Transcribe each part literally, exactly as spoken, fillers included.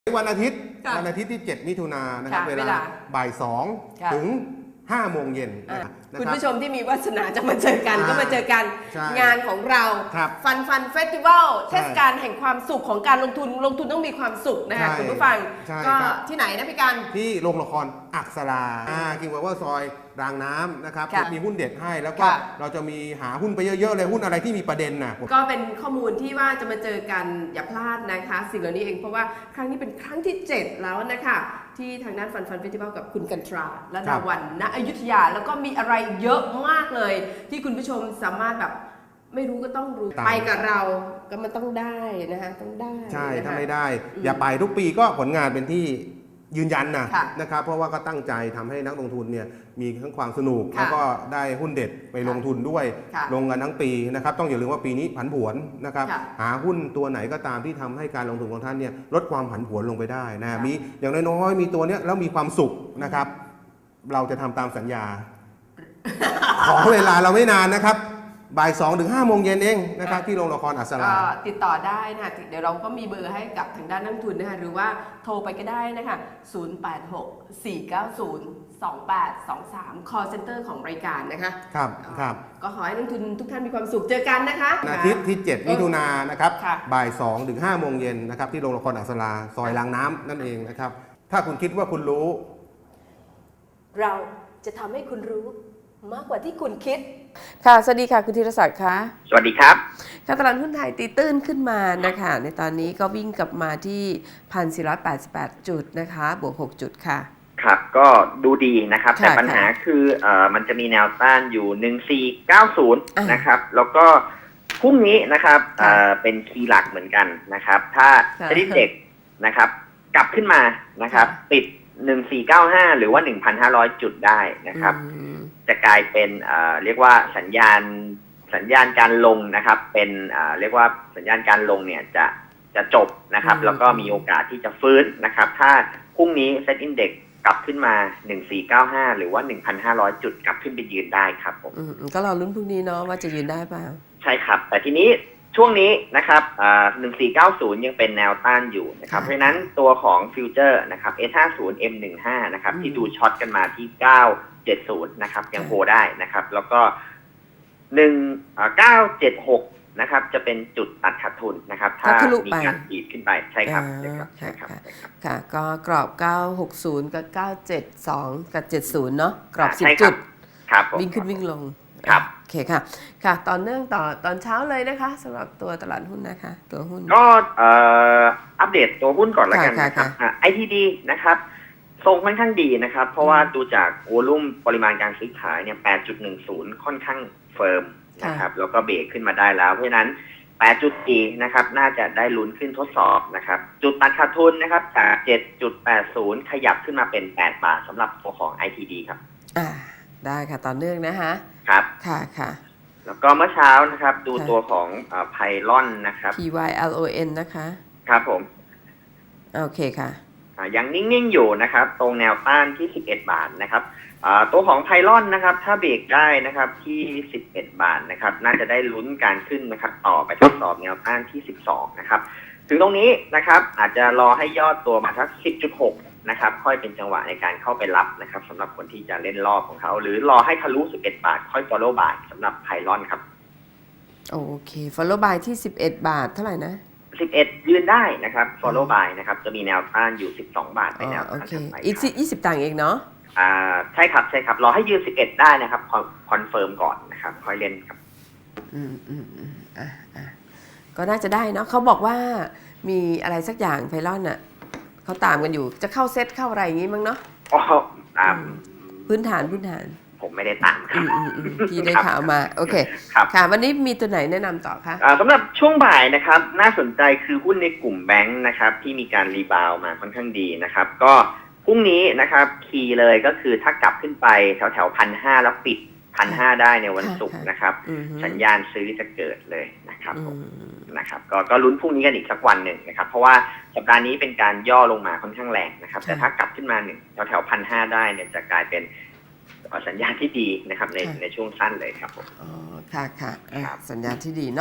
วันอาทิตย์วันอาทิตย์ที่เจ็ดมิถุนายนนะครับเวลาบ่ายสองถึงห้าโมงเย็นคุณผู้ชมที่มีวาสนาจะมาเจอกันก็มาเจอกันงานของเราฟันฟันเฟสติวัลเทศกาลแห่งความสุขของการลงทุนลงทุนต้องมีความสุขนะคะคุณผู้ฟังก็ที่ไหนนะพี่กันที่โรงละครอักษราคิงพาวเวอร์ซอยรางน้ำนะครับมีหุ้นเด็ดให้แล้วก็เราจะมีหาหุ้นไปเยอะๆเลยหุ้นอะไรที่มีประเด็นนะก็เป็นข้อมูลที่ว่าจะมาเจอกันอย่าพลาดนะคะสิ่งเหล่านี้เองเพราะว่าครั้งนี้เป็นครั้งที่เจ็ดแล้วนะคะที่ทางด้านฟันฟันเฟสติวัลกับคุณกันตราและดาวันณอยุธยาแล้วก็มีอะไรเยอะมากเลยที่คุณผู้ชมสามารถแบบไม่รู้ก็ต้องรู้ไปกับเราก็มันต้องได้นะคะต้องได้ใช่ถ้าไม่ได้อย่าไปทุกปีก็ผลงานเป็นที่ยืนยันนะนะครับเพราะว่าก็ตั้งใจทำให้นักลงทุนเนี่ยมีทั้งความสนุกแล้วก็ได้หุ้นเด็ดไปลงทุนด้วยลงกันทั้งปีนะครับต้องอย่าลืมว่าปีนี้ผันผวนนะครับหาหุ้นตัวไหนก็ตามที่ทำให้การลงทุนของท่านเนี่ยลดความผันผวนลงไปได้นะมีอย่างน้อยๆมีตัวเนี้ยแล้วมีความสุขนะครับเราจะทำตามสัญญาขอเวลาเราไม่นานนะครับบ่ายสองถึงห้าโมงเย็นเองนะครับที่โรงละครอัศราติดต่อได้นะเดี๋ยวเราก็มีเบอร์ให้กับทางด้านนักทุนนะคะหรือว่าโทรไปก็ได้นะคะศูนย์ แปด หก สี่ เก้า ศูนย์ สอง แปด สอง สาม call center ของรายการนะคะครับครับก็ขอให้นักทุนทุกท่านมีความสุขเจอกันนะคะอาทิตย์ที่เจ็ดมิถุนายนนะครับบ่ายสองถึงห้าโมงเย็นนะครับที่โรงละครอัศราซอยรางน้ำนั่นเองนะครับถ้าคุณคิดว่าคุณรู้เราจะทำให้คุณรู้มากกว่าที่คุณคิดค่ะสวัสดีค่ะคุณธีรศักดิ์คะสวัสดีครับค่ะตลาดหุ้นไทยตีตื้นขึ้นมานะคะในตอนนี้ก็วิ่งกลับมาที่ หนึ่งพันสี่ร้อยแปดสิบแปด จุดนะคะบวกหกจุดค่ะครับก็ดูดีนะครับแต่ปัญหาคือเอ่อมันจะมีแนวต้านอยู่หนึ่งพันสี่ร้อยเก้าสิบนะครับแล้วก็พรุ่งนี้นะครับเอ่อเป็นคีย์หลักเหมือนกันนะครับถ้าเซ็นเด็กนะครับกลับขึ้นมานะครับติดหนึ่งพันสี่ร้อยเก้าสิบห้าหรือว่า หนึ่งพันห้าร้อย จุดได้นะครับจะกลายเป็นเอ่อเรียกว่าสัญญาณสัญญาณการลงนะครับเป็นเอ่อเรียกว่าสัญญาณการลงเนี่ยจะจะจบนะครับแล้วก็มีโอกาสที่จะฟื้นนะครับถ้าพรุ่งนี้เซ็ตอินเด็กซ์กลับขึ้นมาหนึ่งพันสี่ร้อยเก้าสิบห้าหรือว่า หนึ่งพันห้าร้อย จุดกลับขึ้นไปยืนได้ครับผมก็รอลุ้นพรุ่งนี้เนาะว่าจะยืนได้ป่ะใช่ครับแต่ทีนี้ช่วงนี้นะครับหนึ่งพันสี่ร้อยเก้าสิบยังเป็นแนวต้านอยู่นะครับเพราะฉะนั้นตัวของฟิวเจอร์นะครับ เอส ห้าสิบ เอ็ม สิบห้า นะครับที่ดูช็อตกันมาที่เก้าเจ็ดศูนย์นะครับยังโฮได้นะครับแล้วก็หนึ่งเก้าเจ็ดหกนะครับจะเป็นจุดตัดขาดทุนนะครับถ้ามีการดีดขึ้นไปใช่ครับใช่ครับใช่ครับค่ะก็กรอบเก้าหกศูนย์กับเก้าเจ็ดสองกับเจ็ดศูนย์เนาะกรอบสิบจุดวิ่งขึ้นวิ่งลงครับโอเคค่ะค่ะตอนเนื่องต่อตอนเช้าเลยนะคะสำหรับตัวตลาดหุ้นนะคะตัวหุ้นก็อัปเดตตัวหุ้นก่อนแล้วกันนะครับ ไอ ที ดี นะครับทรงค่อนข้างดีนะครับเพราะว่าดูจากวอลุ่มปริมาณการซื้อขายเนี่ย แปดจุดหนึ่งศูนย์ ค่อนข้างเฟิร์มนะครับแล้วก็เบรกขึ้นมาได้แล้วเพราะฉะนั้น แปดจุดสี่ นะครับน่าจะได้ลุ้นขึ้นทดสอบนะครับจุดตัดขาดทุนนะครับจาก เจ็ดจุดแปดศูนย์ ขยับขึ้นมาเป็นแปดบาทสำหรับตัวของ ไอ ที ดี ครับอ่าได้ค่ะต่อเนื่องนะคะครับค่ะค่ะแล้วก็เมื่อเช้านะครับดูตัวของไพลอนนะครับพี วาย แอล โอ เอ็น นะคะครับผมโอเคค่ะยังนิ่งๆอยู่นะครับตรงแนวต้านที่สิบเอ็ดบาทนะครับตัวของไพลอนนะครับถ้าเบรกได้นะครับที่สิบเอ็ดบาทนะครับน่าจะได้ลุ้นการขึ้นนะครับต่อไปทดสอบแนวต้านที่สิบสองนะครับถึงตรงนี้นะครับอาจจะรอให้ยอดตัวมาทัก สิบจุดหก นะครับค่อยเป็นจังหวะในการเข้าไปรับนะครับสำหรับคนที่จะเล่นรอบของเขาหรือรอให้ทะลุสิบเอ็ดบาทค่อย follow buy สำหรับไพลอนครับโอเค follow buy ที่สิบเอ็ดบาทเท่าไหร่นะสิบเอ็ดยืนได้นะครับ follow buy นะครับจะมีแนวต้านอยู่สิบสองบาทไปแนวต้านถัดไปอีกยี่สิบตังค์เองเนาะอ่าใช่ครับใช่ครับรอให้ยืนสิบเอ็ดได้นะครับคอนเฟิร์มก่อนนะครับค่อยเล่นครับอืมอืมอืมอ่ะอ่ะก็น่าจะได้เนาะเขาบอกว่ามีอะไรสักอย่างไพลอนอ่ะเขาตามกันอยู่จะเข้าเซตเข้าอะไรอย่างงี้มั้งเนาะอ๋อตามพื้นฐานพื้นฐานผมไม่ได้ตามครับพี่ได้ข่าวมาโอเคค่ะวันนี้มีตัวไหนแนะนำต่อคะสำหรับช่วงบ่ายนะครับน่าสนใจคือหุ้นในกลุ่มแบงค์นะครับที่มีการรีบาวมาค่อนข้างดีนะครับก็พรุ่งนี้นะครับคีย์เลยก็คือถ้ากลับขึ้นไปแถวแถวพันห้าแล้วปิดพันห้าได้ในวันศุกร์นะครับสัญญาณซื้อจะเกิดเลยนะครับนะครับก็ก็ลุ้นพรุ่งนี้กันอีกสักวันหนึ่งนะครับเพราะว่าสัปดาห์นี้เป็นการย่อลงมาค่อนข้างแรงนะครับแต่ถ้ากลับขึ้นมาหนึ่งแถวแถวพันห้าได้เนี่ยจะกลายเป็นสัญญาณที่ดีนะครับในในช่วงสั้นเลยครับผมอ๋อค่ะค่ะสัญญาณที่ดีเนาะ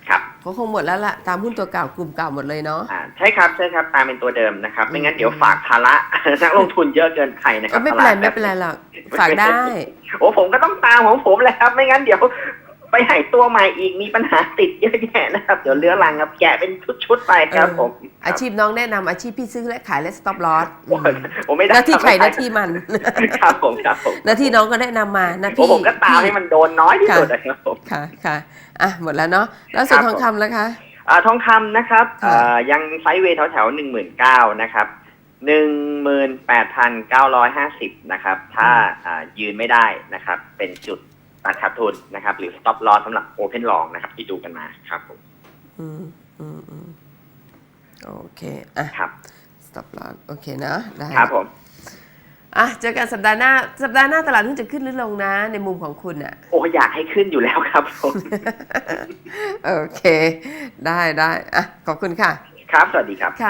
ครับก็คงหมดแล้วล่ะตามหุ้นตัวเก่ากลุ่มเก่าหมดเลยเนาะอ่าใช่ครับใช่ครับตามเป็นตัวเดิมนะครับอืมไม่งั้นเดี๋ยวฝากภาระ นักลงทุนเยอะเกินไปนะคก็รับไม่เป็นไรตลาดไม่เป็นไรหรอกฝากได้โอ้ผมก็ต้องตามของผมแหละครับ ไม่งั้นเดี๋ยวไปหายตัวใหม่อีกมีปัญหาติดเยอะแยะนะครับเดี๋ยวเลื้อรังครับแกะเป็นชุดๆไปครับผมอาชีพน้องแนะนำอาชีพพี่ซื้อและขายและ stop loss โอ้ยผมไม่ได้หน้าที่ใครไม่หได้น้าที่มันครับผมครับผมหน้าที่น้องก็แนะนำมานะโอ้พี่ผมก็ตามให้มันโดนน้อยที่สุดนะครับผมค่ะค่ะอ่ะหมดแล้วเนาะแล้วส่วนครับทองคำแล้วคะอ่าทองคำนะครับค่ะอ่ายังไซด์เวย์แถวๆหนึ่งหมื่นเก้านะครับหนึ่งหมื่นแปดพันเก้าร้อยห้าสิบนะครับถ้าอ่ายืนไม่ได้นะครับเป็นจุดตัดขาดทุนนะครับหรือ stop loss สำหรับ open long นะครับที่ดูกันมาครับผมอืมอืมอืมโอเคอ่ะครับ stop loss โอเคนะได้ครับผมอ่ะเจอกันสัปดาห์หน้าสัปดาห์หน้าตลาดหุ้นจะขึ้นหรือลงนะ ในมุมของคุณอ่ะโอ้อยากให้ขึ้นอยู่แล้วครับผมโอเค ได้ได้อ่ะขอบคุณค่ะครับสวัสดีครับ